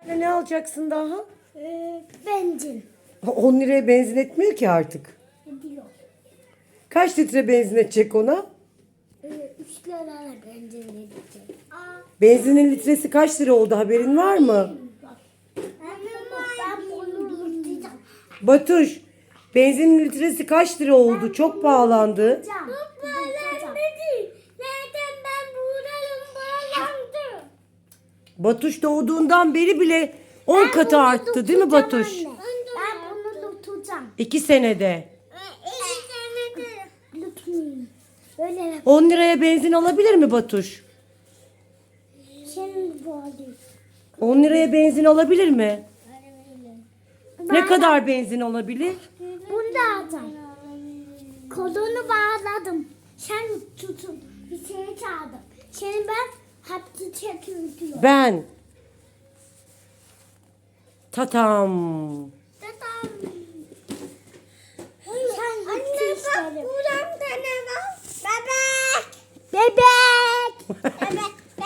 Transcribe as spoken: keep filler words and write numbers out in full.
Ne alacaksın daha? Ee, benzin. on liraya benzin etmiyor ki artık. Diyor. Kaç litre benzin edecek ona? Ee, üç liraya benzin edecek. Aa, Benzinin litresi kaç lira oldu, haberin var mı? bak. Ben bunu durduracağım. Batuş, benzinin litresi kaç lira oldu? Çok pahalandı. Durduracağım. Nereden ben buradayım bağlandı. Batuş doğduğundan beri bile on katı arttı değil mi Batuş? Ben bunu tutacağım. iki senede. Lütfen. Böyle on liraya benzin alabilir mi Batuş? senin bu alayım. on liraya benzin alabilir mi? Ne kadar benzin olabilir? Bunu da alacağım. Kolunu bağladım. Sen tutun. Bir şey çaldım. Seni ben hapsi çekiyorum. Ben. Tatam. Tatam.